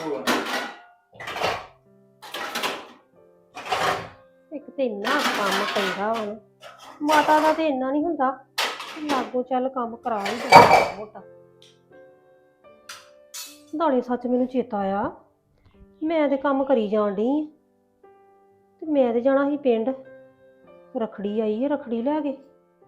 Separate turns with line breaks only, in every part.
ਇੱਕ ਤੇ ਇੰਨਾ ਕੰਮ ਪੈਂਦਾ ਵਾ ਨਾ, ਮਾਤਾ ਦਾ ਤੇ ਇੰਨਾ ਨਹੀਂ ਹੁੰਦਾ, ਲਾਗੋ ਚੱਲ ਕੰਮ ਕਰਾ ਹੀ ਦਿੰਦਾ ਮੋਟਾ। ਨਾਲੇ ਸੱਚ ਮੈਨੂੰ ਚੇਤਾ ਆਇਆ, ਮੈਂ ਤੇ ਕੰਮ ਕਰੀ ਜਾਣ ਡਈ ਆਂ ਤੇ ਮੈਂ ਤੇ ਜਾਣਾ ਸੀ ਪਿੰਡ। ਰੱਖੜੀ ਆਈ ਹੈ, ਰੱਖੜੀ ਲੈ ਕੇ।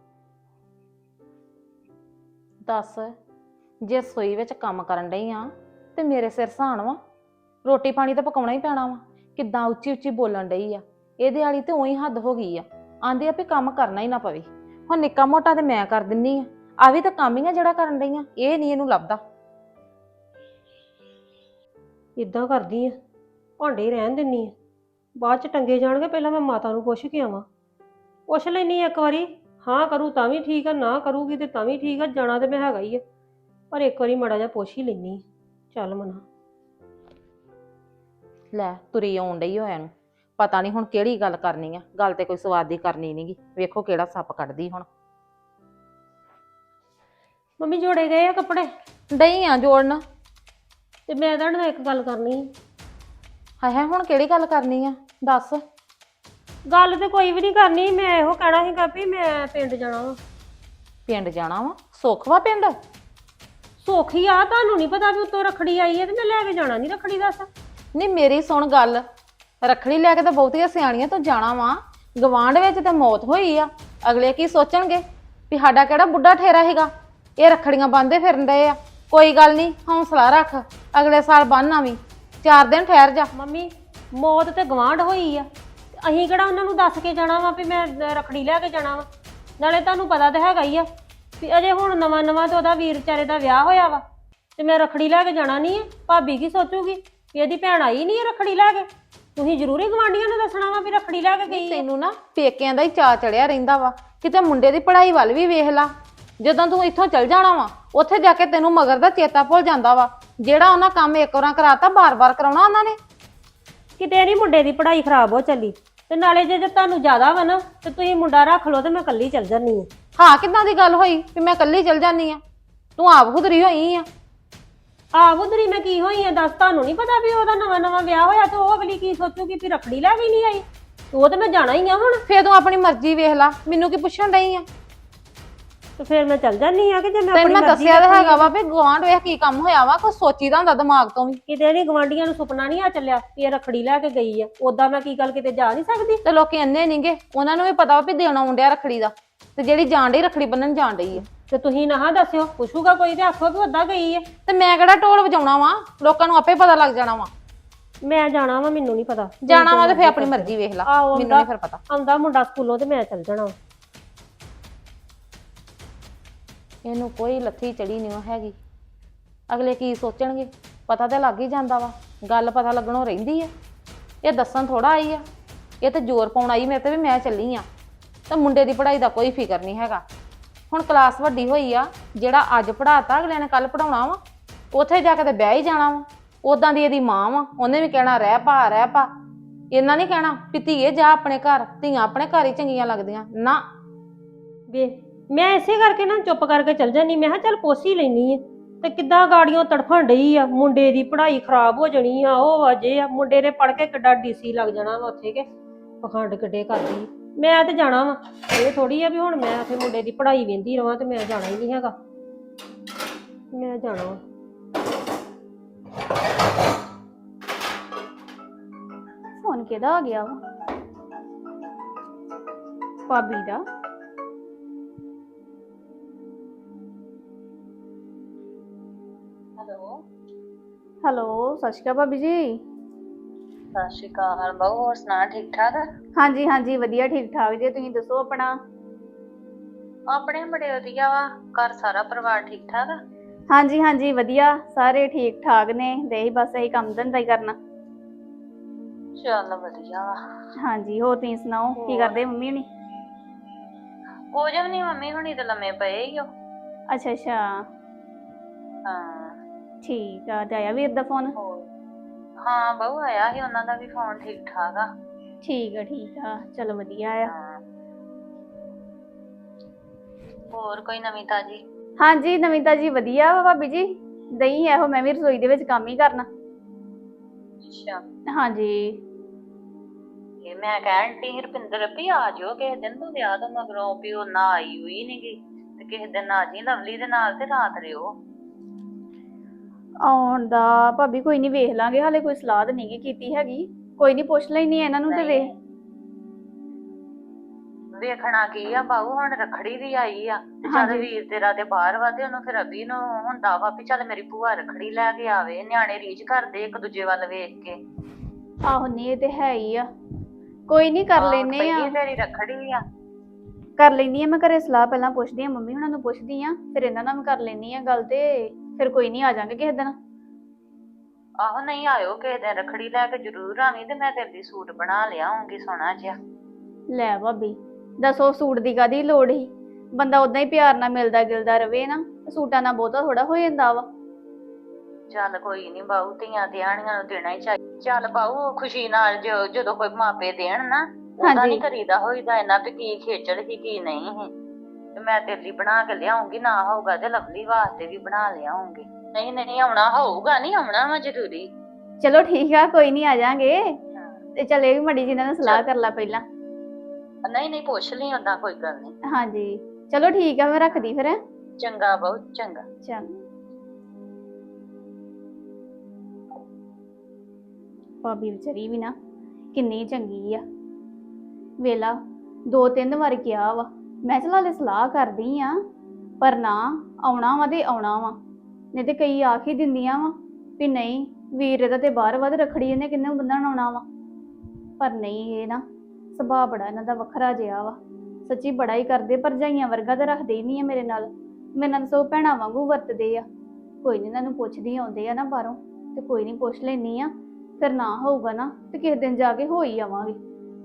ਦੱਸ, ਜੇ ਸੋਈ ਵਿੱਚ ਕੰਮ ਕਰਨ ਡਈ ਆ ਤੇ ਮੇਰੇ ਸਿਰ ਸਹਾਣ ਵਾ, ਰੋਟੀ ਪਾਣੀ ਤਾਂ ਪਕਾਉਣਾ ਹੀ ਪੈਣਾ ਵਾ। ਕਿੱਦਾਂ ਉੱਚੀ ਉੱਚੀ ਬੋਲਣ ਡਈ ਆ, ਇਹਦੇ ਵਾਲੀ ਤੇ ਉਹੀ ਹੱਦ ਹੋ ਗਈ ਆ। ਆਂਦੇ ਆ ਵੀ ਕੰਮ ਕਰਨਾ ਹੀ ਨਾ ਪਵੇ। ਹੁਣ ਨਿੱਕਾ ਮੋਟਾ ਤੇ ਮੈਂ ਕਰ ਦਿੰਨੀ ਆ ਵੀ ਤਾਂ ਕੰਮ ਹੀ ਆ ਜਿਹੜਾ ਕਰਨ ਡਈ ਆ, ਇਹ ਨਹੀਂ ਇਹਨੂੰ ਲੱਭਦਾ।
ਇਦਾਂ ਕਰਦੀ ਆ, ਭਾਂਡੇ ਰਹਿਣ ਦਿੰਨੀ ਆ, ਬਾਅਦ ਚ ਟੰਗੇ ਜਾਣਗੇ। ਪਹਿਲਾਂ ਮੈਂ ਮਾਤਾ ਨੂੰ ਪੁੱਛ ਕੇ ਆਵਾਂ, ਪੁੱਛ ਲੈਣੀ ਇੱਕ ਵਾਰੀ। ਹਾਂ ਕਰੂ ਤਾਂ ਵੀ ਠੀਕ ਆ, ਨਾ ਕਰੂਗੀ ਤੇ ਤਾਂ ਵੀ ਠੀਕ ਆ। ਜਾਣਾ ਤੇ ਮੈਂ ਹੈਗਾ ਹੀ ਆ, ਪਰ ਇੱਕ ਵਾਰੀ ਮਾੜਾ ਜਿਹਾ ਪੁੱਛ ਹੀ ਲੈਣੀ। ਚੱਲ ਮਨਾ।
ਲੈ ਤੁਰੀ ਆਉਣ ਡਈ ਹੋਇਆ ਨੂੰ, ਪਤਾ ਨਹੀਂ ਹੁਣ ਕਿਹੜੀ ਗੱਲ ਕਰਨੀ ਆ। ਗੱਲ ਤੇ ਕੋਈ ਸਵਾਦ ਦੀ ਕਰਨੀ ਨਹੀਂਗੀ, ਵੇਖੋ ਕਿਹੜਾ ਸੱਪ ਕੱਢਦੀ ਹੁਣ।
ਮੰਮੀ ਜੋੜੇ ਗਏ ਆ ਕੱਪੜੇ?
ਡਈ ਆ ਜੋੜਨ।
ਤੇ ਮੈਂ ਤੁਹਾਡੇ ਨਾਲ ਇੱਕ ਗੱਲ ਕਰਨੀ।
ਹਾਏ ਹਾਏ, ਹੁਣ ਕਿਹੜੀ ਗੱਲ ਕਰਨੀ ਆ, ਦੱਸ।
ਗੱਲ ਤੇ ਕੋਈ ਵੀ ਨਹੀਂ ਕਰਨੀ, ਮੈਂ ਇਹੋ ਕਹਿਣਾ ਸੀਗਾ ਵੀ ਮੈਂ ਪਿੰਡ ਜਾਣਾ ਵਾ।
ਪਿੰਡ ਜਾਣਾ ਵਾ? ਸੁੱਖ ਵਾ ਪਿੰਡ?
ਸੌਖੀ ਆ, ਤੁਹਾਨੂੰ ਨਹੀਂ ਪਤਾ ਵੀ ਉੱਤੋਂ ਰੱਖੜੀ ਆਈ ਹੈ ਤੇ ਮੈਂ ਲੈ ਕੇ ਜਾਣਾ ਨਹੀਂ ਰੱਖੜੀ। ਦੱਸ।
ਨਹੀਂ ਮੇਰੀ ਸੁਣ ਗੱਲ, ਰੱਖੜੀ ਲੈ ਕੇ ਤਾਂ ਬਹੁਤੀਆਂ ਸਿਆਣੀਆਂ ਤੋਂ ਜਾਣਾ ਵਾ। ਗਵਾਂਢ ਵਿੱਚ ਤੇ ਮੌਤ ਹੋਈ ਆ, ਅਗਲੇ ਕੀ ਸੋਚਣਗੇ ਵੀ ਸਾਡਾ ਕਿਹੜਾ ਬੁੱਢਾ ਠੇਰਾ ਹੈਗਾ, ਇਹ ਰੱਖੜੀਆਂ ਬੰਨ੍ਹਦੇ ਫਿਰਨ ਡਏ ਆ। ਕੋਈ ਗੱਲ ਨਹੀਂ, ਹੌਸਲਾ ਰੱਖ, ਅਗਲੇ ਸਾਲ ਬੰਨ੍ਹ ਆਵੀਂ, 4 ਦਿਨ ਠਹਿਰ ਜਾ।
ਮੰਮੀ ਮੌਤ ਤੇ ਗਵਾਂਢ ਹੋਈ ਆ, ਅਸੀਂ ਕਿਹੜਾ ਉਹਨਾਂ ਨੂੰ ਦੱਸ ਕੇ ਜਾਣਾ ਵਾ ਵੀ ਮੈਂ ਰੱਖੜੀ ਲੈ ਕੇ ਜਾਣਾ ਵਾ। ਨਾਲੇ ਤੁਹਾਨੂੰ ਪਤਾ ਤਾਂ ਹੈਗਾ ਹੀ ਆ ਵੀ ਅਜੇ ਹੁਣ ਨਵਾਂ ਨਵਾਂ ਤੇ ਉਹਦਾ ਵੀਰ ਵਿਚਾਰੇ ਦਾ ਵਿਆਹ ਹੋਇਆ ਵਾ, ਤੇ ਮੈਂ ਰੱਖੜੀ ਲੈ ਕੇ ਜਾਣਾ ਨਹੀਂ ਹੈ। ਭਾਬੀ ਕੀ ਸੋਚੂਗੀ ਵੀ ਇਹਦੀ ਭੈਣ ਆਈ ਨਹੀਂ ਹੈ ਰੱਖੜੀ ਲੈ ਕੇ। ਤੁਸੀਂ ਜ਼ਰੂਰੀ ਗਵਾਂਢੀਆਂ ਨੂੰ ਦੱਸਣਾ ਵਾ ਵੀ ਰੱਖੜੀ ਲੈ ਕੇ ਗਈ।
ਤੈਨੂੰ ਨਾ ਪੇਕਿਆਂ ਦਾ ਹੀ ਚਾਅ ਚੜਿਆ ਰਹਿੰਦਾ ਵਾ, ਕਿਤੇ ਮੁੰਡੇ ਦੀ ਪੜ੍ਹਾਈ ਵੱਲ ਵੀ ਵੇਖ ਲਾ। ਜਦੋਂ ਤੂੰ ਇੱਥੋਂ ਚਲ ਜਾਣਾ ਵਾ, ਉੱਥੇ ਜਾ ਕੇ ਤੈਨੂੰ ਮਗਰ ਦਾ ਚੇਤਾ ਭੁੱਲ ਜਾਂਦਾ ਵਾ। ਜਿਹੜਾ ਉਹਨਾਂ ਕੰਮ ਇੱਕ ਵਾਰ ਕਰਾਤਾ, ਬਾਰ-ਬਾਰ ਕਰਾਉਣਾ ਉਹਨਾਂ ਨੇ।
ਕਿਤੇ ਨਹੀਂ ਮੁੰਡੇ ਦੀ ਪੜ੍ਹਾਈ ਖਰਾਬ ਹੋ ਚੱਲੀ, ਤੇ ਨਾਲੇ ਜੇ ਤੁਹਾਨੂੰ ਜ਼ਿਆਦਾ ਵਾ ਨਾ ਤੇ ਤੁਸੀਂ ਮੁੰਡਾ ਰੱਖ ਲਓ ਤੇ ਮੈਂ ਇਕੱਲੀ ਚੱਲ ਜਾਂਦੀ ਹਾਂ।
ਹਾਂ ਕਿੱਦਾਂ ਦੀ ਗੱਲ ਹੋਈ ਵੀ ਮੈਂ ਇਕੱਲੀ ਚਲ ਜਾਂਦੀ ਆ? ਤੂੰ ਆਪ ਖੁਦਰੀ ਹੋਈ ਆ।
ਆਹ ਉਧਰੀ ਮੈਂ ਕੀ ਹੋਈ ਆ ਦੱਸ? ਤੁਹਾਨੂੰ ਨਹੀਂ ਪਤਾ ਵੀ ਉਹਦਾ ਨਵਾਂ ਨਵਾਂ ਵਿਆਹ ਹੋਇਆ ਤੇ ਉਹ ਅਗਲੀ ਕੀ ਸੋਚੂਗੀ ਵੀ ਰੱਖੜੀ ਲੈ ਕੇ ਨਹੀਂ ਆਈ? ਉਹ ਤੇ ਮੈਂ ਜਾਣਾ ਹੀ ਆ ਹੁਣ।
ਫੇਰ ਤੂੰ ਆਪਣੀ ਮਰਜ਼ੀ ਵੇਖ ਲਾ, ਮੈਨੂੰ ਕੀ ਪੁੱਛਣ ਡਈ ਆ?
ਤੇ ਫਿਰ ਮੈਂ ਚੱਲ ਜਾਂਦੀ ਆ ਕਿ ਜੇ ਮੈਂ
ਤੈਨੂੰ
ਆਪਣੀ
ਮੈਂ
ਮਰਜ਼ੀ
ਦੱਸਿਆ ਤਾਂ ਹੈਗਾ ਵਾ ਵੀ ਗੁਆਂਢ ਵੇਖ ਕੀ ਕੰਮ ਹੋਇਆ ਵਾ, ਕੋਈ ਸੋਚੀਦਾ ਹੁੰਦਾ ਦਿਮਾਗ ਤੋਂ ਵੀ।
ਕਿਤੇ ਨਹੀਂ ਗਵਾਂਢੀਆਂ ਨੂੰ ਸੁਪਨਾ ਨਹੀਂ ਆ ਚੱਲਿਆ ਕਿ ਇਹ ਰੱਖੜੀ ਲੈ ਕੇ ਗਈ ਆ। ਉਦਾਂ ਮੈਂ ਕੀ ਗੱਲ ਕਿਤੇ ਜਾ ਨਹੀਂ ਸਕਦੀ?
ਤੇ ਲੋਕੀ ਅੰਨੇ ਨਹੀਂਗੇ, ਉਹਨਾਂ ਨੂੰ ਵੀ ਪਤਾ ਵਾ ਵੀ ਦੇਣਾ ਆਉਂਦਿਆ ਰੱਖੜੀ ਦਾ, ਤੇ ਜਿਹੜੀ ਜਾਣ ਡਈ ਰੱਖੜੀ ਬੰਨਣ ਜਾਣ ਡਈ ਆ।
ਤੇ ਤੁਸੀਂ ਨਾ ਦੱਸਿਓ, ਪੁੱਛੂਗਾ ਕੋਈ ਤੇ ਆਖੋ ਵੀ ਉਦਾਂ ਗਈ ਆ।
ਤੇ ਮੈਂ ਕਿਹੜਾ ਢੋਲ ਵਜਾਉਣਾ ਵਾ, ਲੋਕਾਂ ਨੂੰ ਆਪੇ ਪਤਾ ਲੱਗ ਜਾਣਾ ਵਾ।
ਮੈਂ ਜਾਣਾ ਵਾ, ਮੈਨੂੰ ਨਹੀਂ ਪਤਾ।
ਜਾਣਾ ਵਾ ਤੇ ਫੇਰ ਆਪਣੀ ਮਰਜ਼ੀ ਵੇਖ ਲਾ, ਮੈਨੂੰ ਨਹੀਂ ਫਿਰ ਪਤਾ।
ਆਉਂਦਾ ਮੁੰਡਾ ਸਕੂਲੋਂ ਤੇ ਮੈਂ ਚੱਲ ਜਾਣਾ।
ਇਹਨੂੰ ਕੋਈ ਲੱਥੀ ਚੜੀ ਨਹੀਂ ਹੈਗੀ, ਅਗਲੇ ਕੀ ਸੋਚਣਗੇ ਪਤਾ ਤੇ ਲੱਗ ਹੀ ਜਾਂਦਾ ਵਾ। ਗੱਲ ਪਤਾ ਲੱਗਣੋਂ ਰਹਿੰਦੀ ਆ, ਇਹ ਦੱਸਣ ਥੋੜਾ ਆਈ ਆ, ਇਹ ਤੇ ਜ਼ੋਰ ਪਾਉਣ ਆਈ ਮੇਰੇ ਤੇ ਵੀ ਮੈਂ ਚੱਲੀ ਆ। ਤੇ ਮੁੰਡੇ ਦੀ ਪੜ੍ਹਾਈ ਦਾ ਕੋਈ ਫਿਕਰ ਨਹੀਂ ਹੈਗਾ। ਹੁਣ ਕਲਾਸ ਵੱਡੀ ਹੋਈ ਆ, ਜਿਹੜਾ ਅੱਜ ਪੜ੍ਹਾਤਾ ਅਗਲੇ ਨੇ ਕੱਲ ਪੜਾਉਣਾ ਵਾ, ਉੱਥੇ ਜਾ ਕੇ ਤੇ ਬਹਿ ਹੀ ਜਾਣਾ ਵਾ। ਉਦਾਂ ਦੀ ਇਹਦੀ ਮਾਂ ਵਾ, ਉਹਨੇ ਵੀ ਕਹਿਣਾ ਰਹਿ ਪਾ ਰਹਿ ਪਾ। ਇਹਨਾਂ ਨਹੀਂ ਕਹਿਣਾ ਵੀ ਧੀਏ ਜਾ ਆਪਣੇ ਘਰ, ਧੀਆਂ ਆਪਣੇ ਘਰ ਹੀ ਚੰਗੀਆਂ ਲੱਗਦੀਆਂ ਨਾ।
ਵੇ ਮੈਂ ਇਸੇ ਕਰਕੇ ਨਾ ਚੁੱਪ ਕਰਕੇ ਚੱਲ ਜਾਂਦੀ। ਮੈਂ ਕਿਹਾ ਚੱਲ ਪੁੱਛ ਹੀ ਲੈਣੀ ਆ। ਤੇ ਕਿੱਦਾਂ ਗਾੜੀਆਂ ਤੜਫਣ ਡਈ ਆ, ਮੁੰਡੇ ਦੀ ਪੜ੍ਹਾਈ ਖਰਾਬ ਹੋ ਜਾਣੀ ਆ, ਉਹ ਅਜੇ ਆ ਮੁੰਡੇ ਨੇ ਪੜ੍ਹ ਕੇ ਕਿੱਡਾ ਡੀਸੀ ਲੱਗ ਜਾਣਾ ਵਾ ਉੱਥੇ, ਕੇ ਪਖੰਡ ਕਿੱਡੇ ਕਰਦੀ। ਮੈਂ ਤੇ ਜਾਣਾ ਵਾ, ਇਹ ਥੋੜੀ ਆ ਵੀ ਹੁਣ ਮੈਂ ਉੱਥੇ ਮੁੰਡੇ ਦੀ ਪੜ੍ਹਾਈ ਵੇਂਦੀ ਰਵਾਂ ਤੇ ਮੈਂ ਜਾਣਾ ਹੀ ਨਹੀਂ ਹੈਗਾ। ਮੈਂ ਜਾਣਾ ਵਾ।
ਫੋਨ ਕਿਹਦਾ ਆ ਗਿਆ ਵਾ? ਭਾਬੀ ਦਾ। ਹੈਲੋ ਸਤਿ ਸ਼੍ਰੀ ਅਕਾਲ ਭਾਬੀ ਜੀ।
ਸਤਿ ਸ਼੍ਰੀ ਅਕਾਲ ਬਾਊ, ਹੋਰ ਸੁਣਾ ਠੀਕ ਠਾਕ?
ਹਾਂਜੀ ਹਾਂਜੀ ਵਧੀਆ ਠੀਕ ਠਾਕ ਜੀ, ਤੁਸੀਂ ਦੱਸੋ ਆਪਣਾ?
ਆਪਣੇ ਬੜੇ ਵਧੀਆ ਵਾ, ਘਰ ਸਾਰਾ ਪਰਿਵਾਰ ਠੀਕ ਠਾਕ?
ਹਾਂਜੀ ਹਾਂਜੀ ਵਧੀਆ, ਸਾਰੇ ਠੀਕ ਠਾਕ ਨੇ। ਤੇ ਇਹੀ ਬਸ ਇਹੀ ਕੰਮ ਧੰਦਾ ਹੀ ਕਰਨਾ।
ਚੱਲ ਵਧੀਆ ਵਾ।
ਹਾਂਜੀ ਹੋਰ ਤੁਸੀਂ ਸੁਣਾਓ, ਕੀ ਕਰਦੇ ਮੰਮੀ ਹੁਣੀ?
ਕੁਝ ਵੀ ਨੀ, ਮੰਮੀ ਹੁਣੀ ਤੇ ਲੰਮੇ ਪਏ ਹੀ ਹੋ।
ਅੱਛਾ ਅੱਛਾ
ਹਾਂ
ਠੀਕ ਆ। ਤੇ ਆਇਆ ਵੀਰ ਦਾ ਫੋਨ?
ਹਾਂ ਬਾਊ ਆਇਆ ਸੀ, ਉਹਨਾਂ ਦਾ ਵੀ ਫੋਨ ਠੀਕ ਠਾਕ ਆ।
ਠੀਕ ਆ ਚਲੋ ਵਧੀਆ ਆ।
ਹਾਂ ਹੋਰ ਕੋਈ ਨਵੀਂ ਤਾਜੀ?
ਹਾਂਜੀ ਨਵੀਂ ਤਾਜੀ ਵਧੀਆ ਵਾ ਭਾਬੀ ਜੀ। ਦਈ ਇਹੋ ਮੈਂ ਵੀ ਰਸੋਈ ਦੇ ਵਿੱਚ ਕੰਮ ਹੀ ਕਰਨਾ।
ਅੱਛਾ
ਹਾਂਜੀ।
ਇਹ ਮੈਂ ਕਹਿਣ ਡਈ ਸੀ ਰੁਪਿੰਦਰ ਵੀ ਆ ਜਾਓ ਕਿਸੇ ਦਿਨ ਤੂੰ ਵਿਆਹ ਤੋਂ ਮਗਰੋਂ ਵੀ ਉਹ ਨਾ ਆਈ ਹੋਈ ਨੀ ਗੀ ਤੇ ਕਿਸੇ ਦਿਨ ਆ ਜੀ ਲਵਲੀ ਦੇ ਨਾਲ ਤੇ ਰਾਤ ਰਿਓ।
ਆਉਣ ਦਾ ਭਾਬੀ ਕੋਈ ਨਹੀਂ, ਵੇਖ ਲਾਂਗੇ, ਹਾਲੇ ਕੋਈ ਸਲਾਹ ਤਾਂ ਨਹੀਂ ਕੀਤੀ ਹੈਗੀ। ਕੋਈ ਨਹੀਂ, ਪੁੱਛ ਲੈਣੀ ਇਹਨਾਂ ਨੂੰ ਤੇ ਵੇਖ।
ਵੇਖਣਾ ਕੀ ਆ ਬਾਊ, ਹੁਣ ਰੱਖੜੀ ਵੀ ਆਈ ਆ ਤੇ ਚੱਲ
ਹਾਂਜੀ।
ਵੀਰ ਤੇਰਾ ਤੇ ਬਾਹਰ ਵਾ ਤੇ ਉਹਨੂੰ ਫਿਰ ਅਭੀ ਨੂੰ ਹੁੰਦਾ ਵਾ ਵੀ ਚੱਲ ਮੇਰੀ ਭੂਆ ਰੱਖੜੀ ਲੈ ਕੇ ਆਵੇ। ਨਿਆਣੇ ਰੀਝ ਕਰਦੇ ਇੱਕ ਦੂਜੇ ਵੱਲ ਵੇਖ ਕੇ।
ਆਹੋ ਨਹੀਂ, ਇਹ ਤੇ ਹੈ ਹੀ ਆ। ਕੋਈ ਨਹੀਂ, ਕਰ ਲੈਨੇ ਆ।
ਪਹਿਲੀ ਤੇਰੀ ਰੱਖੜੀ ਆ।
ਕਰ ਲੈਨੀ ਆ, ਮੈਂ ਘਰੇ ਸਲਾਹ ਪਹਿਲਾਂ ਪੁੱਛਦੀ ਆ, ਮੰਮੀ ਹੁਣਾਂ ਨੂੰ ਪੁੱਛਦੀ ਆ, ਫਿਰ ਇਹਨਾਂ ਨਾਲ ਵੀ ਕਰ ਲੈਨੀ ਆ ਗੱਲ, ਤੇ ਫਿਰ ਕੋਈ ਨਹੀਂ ਆ ਜਾਾਂਗੇ ਕਿਸੇ ਦਿਨ।
ਆਹੋ ਨਹੀਂ ਆਇਓ ਕਿਸੇ ਦਿਨ, ਰੱਖੜੀ ਲੈ ਕੇ ਜ਼ਰੂਰ ਆਵੀਂ ਤੇ ਮੈਂ ਤੇਰੇ ਲਈ ਸੂਟ ਬਣਾ ਲਿਆਉਂਗੀ ਸੋਹਣਾ ਜਿਹਾ।
ਲੈ ਭਾਬੀ, ਦੱਸੋ ਸੂਟ ਦੀ ਕਾਹਦੀ ਲੋੜ ਸੀ? ਬੰਦਾ ਉਦਾਂ ਹੀ ਪਿਆਰ ਨਾਲ ਮਿਲਦਾ ਗਿਲਦਾ ਰਵੇ ਨਾ, ਸੂਟਾਂ ਨਾਲ ਬਹੁਤਾ ਥੋੜਾ ਹੋ ਜਾਂਦਾ ਵਾ।
ਚੱਲ ਕੋਈ ਨੀ ਬਾਊ, ਧੀਆਂ ਧਿਆਣੀਆਂ ਨੂੰ ਦੇਣਾ ਹੀ ਚਾਹੀਦਾ। ਚੱਲ ਬਾਊ ਖੁਸ਼ੀ ਨਾਲ ਜਦੋਂ ਕੋਈ ਮਾਪੇ ਦੇਣ ਨਾ, ਉਹਦਾ
ਹਾਂਜੀ।
ਨਹੀਂ ਕਰੀਦਾ ਹੋਈਦਾ ਇਹਨਾਂ ਵੀ ਕੀ ਖੇਚਲ ਸੀ ਕੀ ਨਹੀਂ ਸੀ। ਤੇ ਮੈਂ ਤੇਰੇ ਲਈ ਬਣਾ ਕੇ ਲਿਆਉਂਗੀ, ਨਾ ਹੋਊਗਾ ਤੇ ਲਵਲੀ ਵਾਸਤੇ ਵੀ ਬਣਾ ਲਿਆਉਂਗੀ। ਨਹੀਂ ਨਹੀਂ ਆਉਣਾ ਹੋਊਗਾ, ਨਹੀਂ ਆਉਣਾ ਵਾ ਜ਼ਰੂਰੀ।
ਚਲੋ ਠੀਕ ਆ, ਕੋਈ ਨਹੀਂ ਆ ਜਾਾਂਗੇ। ਤੇ ਚੱਲ ਇਹ ਵੀ ਮੜੀ ਜੀ ਨਾਲ ਸਲਾਹ ਕਰ ਲਾ ਪਹਿਲਾਂ।
ਨਹੀਂ ਨਹੀਂ ਪੁੱਛ ਲਈ, ਓਦਾਂ ਕੋਈ ਗੱਲ ਨਹੀਂ।
ਹਾਂਜੀ ਚਲੋ ਠੀਕ ਆ, ਮੈਂ ਰੱਖਦੀ ਫਿਰ।
ਚੰਗਾ ਬਹੁਤ ਚੰਗਾ।
ਚੰਗਾ। ਭਾਬੀ ਵਿਚਾਰੀ ਵੀ ਨਾ ਕਿੰਨੀ ਚੰਗੀ ਆ। ਵੇਲਾ 2-3 ਵਾਰ ਕਿਹਾ ਵਾ, ਮੈਂ ਚਲਾ ਲੈ ਸਲਾਹ ਕਰਦੀ ਆ, ਪਰ ਨਾ ਆਉਣਾ ਵਾ ਤੇ ਆਉਣਾ ਵਾ। ਨਹੀਂ ਤੇ ਕਈ ਆਖ ਹੀ ਦਿੰਦੀਆਂ ਵਾ ਵੀ ਨਹੀਂ ਵੀਰ ਇਹਦਾ ਤੇ ਬਾਹਰ ਵੱਧ ਰੱਖੜੀ ਇਹਨੇ ਕਿੰਨੇ ਬੰਨਣ ਆਉਣਾ ਵਾ। ਪਰ ਨਹੀਂ, ਇਹ ਨਾ ਸੁਭਾਅ ਬੜਾ ਇਹਨਾਂ ਦਾ ਵੱਖਰਾ ਜਿਹਾ ਵਾ। ਸੱਚੀ ਬੜਾ ਹੀ ਕਰਦੇ, ਭਰਜਾਈਆਂ ਵਰਗਾ ਤਾਂ ਰੱਖਦੇ ਹੀ ਨਹੀਂ ਆ ਮੇਰੇ ਨਾਲ ਸੋ ਭੈਣਾਂ ਵਾਂਗੂ ਵਰਤਦੇ ਆ। ਕੋਈ ਨਹੀਂ, ਇਹਨਾਂ ਨੂੰ ਪੁੱਛਦੀ ਆਉਂਦੇ ਆ ਨਾ ਬਾਹਰੋਂ, ਤੇ ਕੋਈ ਨਹੀਂ ਪੁੱਛ ਲੈਣੀ ਆ। ਫਿਰ ਨਾ ਹੋਊਗਾ ਨਾ ਤੇ ਕਿਸੇ ਦਿਨ ਜਾ ਕੇ ਹੋ ਹੀ ਆਵਾਂਗੇ।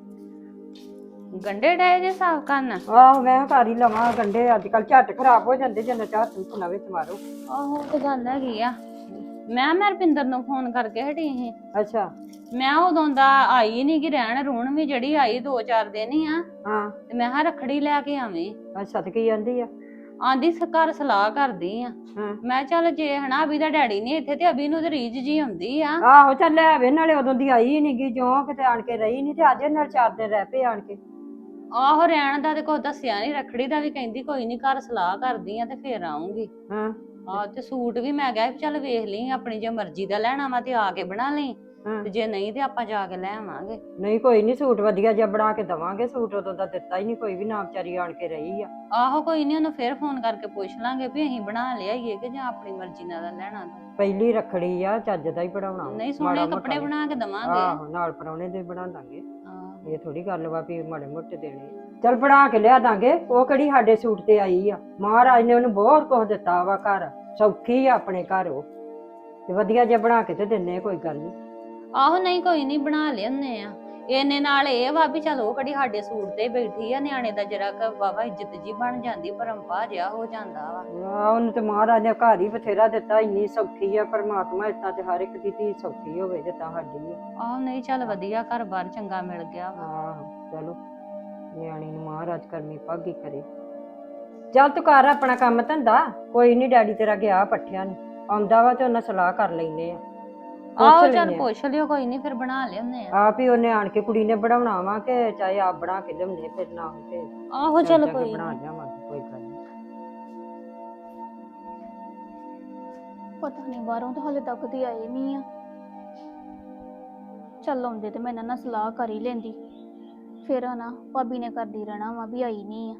ਗੰਡੇ ਡਾਏ ਜੇ ਸਾਫ਼ ਕਰਨ?
ਆਹੋ ਮੈਂ ਘਰ ਹੀ ਲਵਾਂ ਗੰਡੇ, ਅੱਜ ਕੱਲ ਝੱਟ ਖਰਾਬ ਹੋ ਜਾਂਦੇ ਜਿੰਨਾ ਚਾਹ ਤੂੰ ਨਵੇਂ ਚ ਮਾਰੋ।
ਆਹੋ ਤੇ ਗੱਲ ਹੈਗੀ ਆ। ਮੈਂ ਰੁਪਿੰਦਰ ਨੂੰ ਫੋਨ ਕਰਕੇ ਹਟੀ ਸੀ।
ਅੱਛਾ।
ਮੈਂ ਉਦੋਂ ਦਾ ਆਈ ਨੀ ਗੀ, ਰਹਿਣ ਰੂਣ ਵੀ ਜਿਹੜੀ ਆਈ 2-4 ਦਿਨ ਹੀ ਆ।
ਹਾਂ।
ਤੇ ਮੈਂ ਕਿਹਾ ਰੱਖੜੀ ਲੈ ਕੇ ਆਵੇਂ।
ਅੱਛਾ, ਤੇ ਕੀ ਆਂਦੀ ਆ?
ਆਂਦੀ ਘਰ ਸਲਾਹ ਕਰਦੀ ਆ।
ਹਾਂ।
ਮੈਂ ਚੱਲ ਜੇ ਹਨਾ ਅਭੀ ਦਾ ਡੈਡੀ ਨਹੀਂ ਇੱਥੇ ਤੇ ਅਭੀ ਨੂੰ ਤੇ ਰੀਝ ਜੀ ਹੁੰਦੀ ਆ।
ਆਹੋ ਚੱਲ ਲੈ ਆਵੇ, ਨਾਲੇ ਉਦੋਂ ਦੀ ਆਈ ਨੀ ਗੀ, ਜੋ ਕਿਤੇ ਆਣ ਕੇ ਰਹੀ ਨੀ, ਤੇ ਅੱਜ ਨਾਲ 4 ਦਿਨ ਰਹਿ ਪਏ ਆਣ ਕੇ।
ਆਹੋ ਰਹਿਣ ਦਾ ਤੇ ਕੁਛ ਦੱਸਿਆ ਨੀ, ਰੱਖੜੀ ਦਾ ਵੀ ਕਹਿੰਦੀ ਕੋਈ ਨੀ ਘਰ ਸਲਾਹ ਕਰਦੀ ਆ ਤੇ ਫੇਰ ਆਉਂਗੀ।
ਹਾਂ।
ਆਹ ਤੇ ਸੂਟ ਵੀ ਮੈਂ ਕਿਹਾ ਚੱਲ ਵੇਖ ਲਈ, ਆਪਣੀ ਜੇ ਮਰਜ਼ੀ ਦਾ ਲੈਣਾ ਵਾ ਤੇ ਆ ਕੇ ਬਣਾ ਲਈ, ਤੇ ਜੇ ਨਹੀਂ ਤੇ ਆਪਾਂ ਜਾ ਕੇ ਲੈ ਆਵਾਂਗੇ।
ਨਹੀਂ ਕੋਈ ਨੀ, ਸੂਟ ਵਧੀਆ ਜਿਹਾ ਬਣਾ ਕੇ ਦਵਾਂਗੇ। ਸੂਟ ਉਦੋਂ ਦਾ ਦਿੱਤਾ ਹੀ ਨਹੀਂ ਕੋਈ ਵੀ, ਨਾ ਵਿਚਾਰੀ ਆਣ ਕੇ ਰਹੀ ਆ।
ਆਹੋ ਕੋਈ ਨੀ, ਉਹਨੂੰ ਫੇਰ ਫੋਨ ਕਰਕੇ ਪੁੱਛ ਲਾਂਗੇ ਵੀ ਅਸੀਂ ਬਣਾ ਲਿਆਈਏ ਕਿ ਜਾਂ ਆਪਣੀ ਮਰਜ਼ੀ ਨਾਲ ਲੈਣਾ।
ਪਹਿਲੀ ਰੱਖੜੀ ਆ, ਚੱਜ ਦਾ ਹੀ ਬਣਾਉਣਾ।
ਨਹੀਂ ਸੋਹਣੇ ਕੱਪੜੇ ਬਣਾ ਕੇ ਦਵਾਂਗੇ।
ਆਹੋ ਨਾਲ ਪਰਾਉਣੇ ਦੇ ਬਣਾ ਦਾਂਗੇ। ਇਹ ਥੋੜੀ ਗੱਲ ਵਾ ਵੀ ਮਾੜੇ ਮੋਟੇ ਦੇਣੇ। ਚੱਲ ਬਣਾ ਕੇ ਲਿਆ ਦਾਂਗੇ, ਉਹ ਕਿਹੜੀ ਸਾਡੇ ਸੂਟ ਤੇ ਆਈ ਆ। ਮਹਾਰਾਜ ਨੇ ਉਹਨੂੰ ਬਹੁਤ ਕੁਝ ਦਿੱਤਾ ਵਾ, ਘਰ ਸੌਖੀ ਆ ਆਪਣੇ ਘਰ, ਉਹ ਤੇ ਵਧੀਆ ਜਿਹਾ ਬਣਾ ਕੇ ਤੇ ਦਿੰਨੇ, ਕੋਈ ਗੱਲ ਨੀ।
ਆਹੋ ਨਹੀਂ ਕੋਈ ਨੀ, ਬਣਾ ਲਿਆਉਂਦੇ ਆ। ਇਹਨੇ ਨਾਲ ਇਹ ਵਾ ਵੀ ਚਲ ਉਹ ਕਿਹੜੀ ਸਾਡੇ ਸੂਟ ਤੇ ਬੈਠੀ ਆ, ਨਿਆਣੇ ਦਾ ਜਰਾ ਕ ਵਾਵਾ ਇੱਜ਼ਤ ਜੀ ਬਣ ਜਾਂਦੀ, ਪਰੰਪਾ ਜਿਹਾ ਹੋ ਜਾਂਦਾ ਵਾ।
ਉਹਨੂੰ ਤੇ ਮਹਾਰਾਜ ਨੇ ਘਰ ਹੀ ਬਥੇਰਾ ਦਿੱਤਾ, ਇੰਨੀ ਸੌਖੀ ਆ ਪਰਮਾਤਮਾ। ਇਦਾਂ ਤੇ ਹਰ ਇੱਕ ਦੀ ਧੀ ਸੌਖੀ ਹੋਵੇ ਜਿੱਦਾਂ ਸਾਡੀ ਆ।
ਆਹੋ ਨਹੀਂ ਚੱਲ ਵਧੀਆ, ਘਰ ਬਾਰ ਚੰਗਾ ਮਿਲ ਗਿਆ ਵਾ।
ਆਹੋ ਚਲੋ, ਨਿਆਣੀ ਨੂੰ ਮਹਾਰਾਜ ਕਰਮੀ ਭਾਗੀ ਕਰੇ। ਚੱਲ ਤੂੰ ਕਰ ਆਪਣਾ ਕੰਮ ਧੰਦਾ, ਕੋਈ ਨੀ, ਡੈਡੀ ਤੇਰਾ ਗਿਆ ਪੱਠਿਆਂ ਨੂੰ, ਆਉਂਦਾ ਵਾ ਤੇ ਉਹਨਾਂ ਸਲਾਹ ਕਰ ਲੈਨੇ ਆ।
ਆਹੋ ਚੱਲ ਪੁੱਛ ਲਿਓ, ਕੋਈ ਨੀ ਫਿਰ ਬਣਾ ਲਿਆਉਂਦੇ ਆ।
ਆਪ ਹੀ ਉਹਨੇ ਆਣ ਕੇ ਕੁੜੀ ਨੇ ਬਣਾਉਣਾ ਵਾ, ਕਿ ਚਾਹੇ ਆਪ ਬਣਾ ਕੇ ਲਿਆਉਂਦੇ, ਫਿਰ ਨਾ ਹੋਵੇ
ਆਹੋ ਚੱਲ ਕੋਈ
ਬਣਾ ਲਿਆਵਾਂਗੇ, ਕੋਈ ਗੱਲ ਨੀ।
ਪਤਾ ਨਹੀਂ ਬਾਹਰੋਂ ਤਾਂ ਹਾਲੇ ਤੱਕ ਤੇ ਆਏ ਨਹੀਂ ਆ। ਚੱਲ ਆਉਂਦੇ ਤੇ ਮੈਂ ਇਹਨਾਂ ਨਾਲ ਸਲਾਹ ਕਰ ਹੀ ਲੈਂਦੀ, ਫਿਰ ਨਾ ਭਾਬੀ ਨੇ ਕਰਦੀ ਰਹਿਣਾ ਵਾ ਵੀ ਆਈ ਨਹੀਂ ਆ।